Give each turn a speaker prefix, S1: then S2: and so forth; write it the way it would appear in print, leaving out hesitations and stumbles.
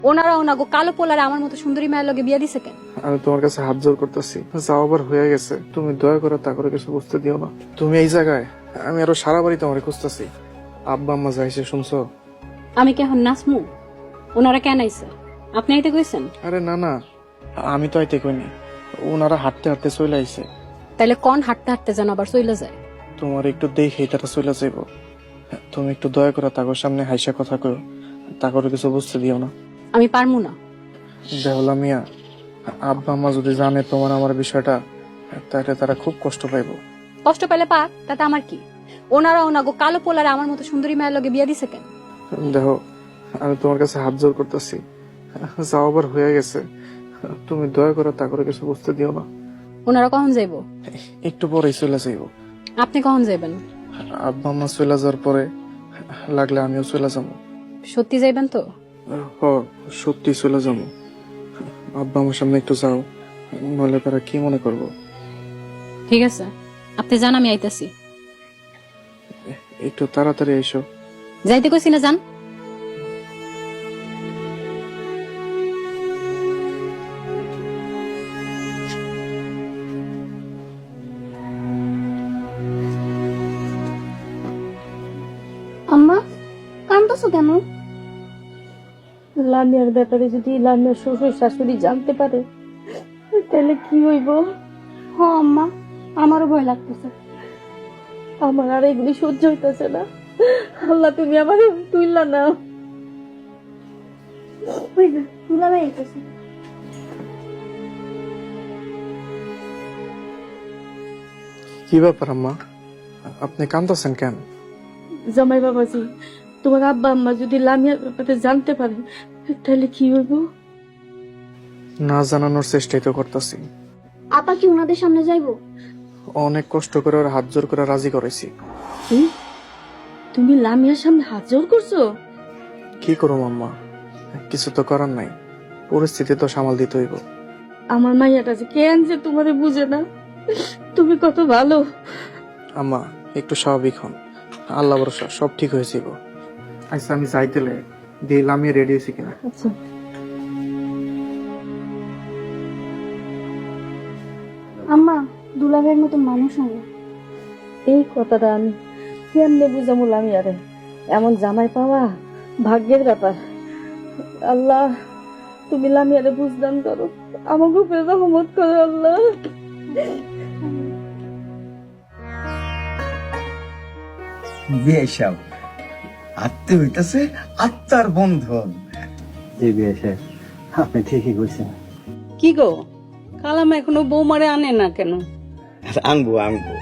S1: ওনারা ওনাগো কালো পোলারে আমার মতো সুন্দরী মায়ের লগে বিয়া দিছে কেন?
S2: আমি তোমার কাছে হাত জোর করতেছি, যাও আবার হয়ে গেছে, তুমি দয়া করে তা করে কিছু বুঝতে দিও না। তুমি এই জায়গায়, আমি আরো সারা বাড়ি তোমার খুঁজতেছি। আব্বা আম্মা যাইছে শুনছো?
S1: আমি কি এখন নাচমু? ওনারা কেন আইছে? আপনি আইতে কইছেন?
S2: আরে না না, আমি তো আইতে কইনি, ওনারা হাঁটতে হাঁটতে চলে আইছে।
S1: তাইলে কোন হাঁটতে হাঁটতে যেন আবার চলে যায়?
S2: তোমার একটু দেখেই তারা চলে যাইব, তুমি একটু দয়া করে তাগোর সামনে হাইসা কথা কও, তা করে কিছু বুঝতে দিও না।
S1: আমি পারমু না।
S2: দেহলা মিয়া, আব্বা আম্মা যদি জানে তোমার আমার বিষয়টা, তাহলে তারা খুব কষ্ট পাইব।
S1: কষ্ট পেলে পাক, তাতে আমার কি? ওনারা ওনাগো কালো পোলারে আমার মতো সুন্দরী মায়ের লগে বিয়া দিছে কেন?
S2: দেখো, আমি তোমার কাছে হাত জোর করতেছি, যাও আবার হয়ে গেছে, তুমি দয়া করে তা করে কিছু বুঝতে দিও না।
S1: ওনারা কখন যাইব?
S2: একটু পরেই চলে যাইব।
S1: আপনি কখন যাইবেন?
S2: আব্বা আম্মা চলে যাওয়ার পরে লাগলে আমিও চলে যাবো।
S1: সত্যি যাইবেন তো?
S2: হ, সত্যি চলে যাবো। আব্বা আমার সামনে একটু যাও, নইলে তারা কি মনে করবো।
S1: ঠিক আছে, আপনি যান, আমি আইতাছি।
S2: একটু তাড়াতাড়ি এসো।
S1: যাইতে কইছি না, যান।
S3: আম্মা, কান্দছো কেন?
S4: লামিয়ার ব্যাপারে যদি লামিয়ার শ্বশুর শাশুড়ি জানতে পারে তাহলে কি হইব?
S3: হ আম্মা, আমারও ভয় লাগতেছে।
S4: আমার আর এগুলি সহ্য হইতেছে না। আল্লাহ, তুমি আমার তুইলা না।
S3: ওই যে দুলাভাই আইতাছে।
S2: কি ব্যাপার আম্মা, আপনি কাঁদতেছেন কেন?
S4: জামাই বাবাজি, তোমার আব্বা আম্মা যদি লামিয়ার ব্যাপারে জানতে পারে তাহলে কি হইব?
S2: না জানানোর চেষ্টাই তো করতেছি।
S3: আপা কি ওনাদের সামনে যাইবো?
S2: অনেক কষ্ট করে ওর হাত জোর করে রাজি করেছি।
S4: কি? তুমি লামিয়ার সামনে হাত জোর করছো?
S2: কি করো আম্মা, কিছু তো করার নাই, পরিস্থিতি তো সামাল দিতে হইব।
S4: আমার মাইয়াটা যে কেন যে তোমারে বুঝে না। তুমি কত ভালো।
S2: আম্মা একটু স্বাভাবিক হন, আল্লাহ ভরসা সব ঠিক হয়ে যাইব। আচ্ছা আমি যাইতেলে দিলাম, আমি রেডি হয়েছি কিনা।
S4: আচ্ছা,
S3: আম্মা, দুলাভাইয়ের মতো মানুষ হয় না।
S4: এই কথাটা আমি কেমনে বুঝামু লামিয়ারে? এমন জামাই পাওয়া ভাগ্যের ব্যাপার। আল্লাহ, তুমি লামিয়ারে বুঝদান করো, আমাকে উপরে রহমত করো আল্লাহ।
S5: বিয়ে সব আত্মীয় হইতেছে, আত্মার বন্ধন।
S6: জি বিয়ে সাহেব, আপনি ঠিকই কইছেন।
S7: কি গো, কালাম এখনো বৌমারে আনে না কেন?
S5: আনবো আনবো,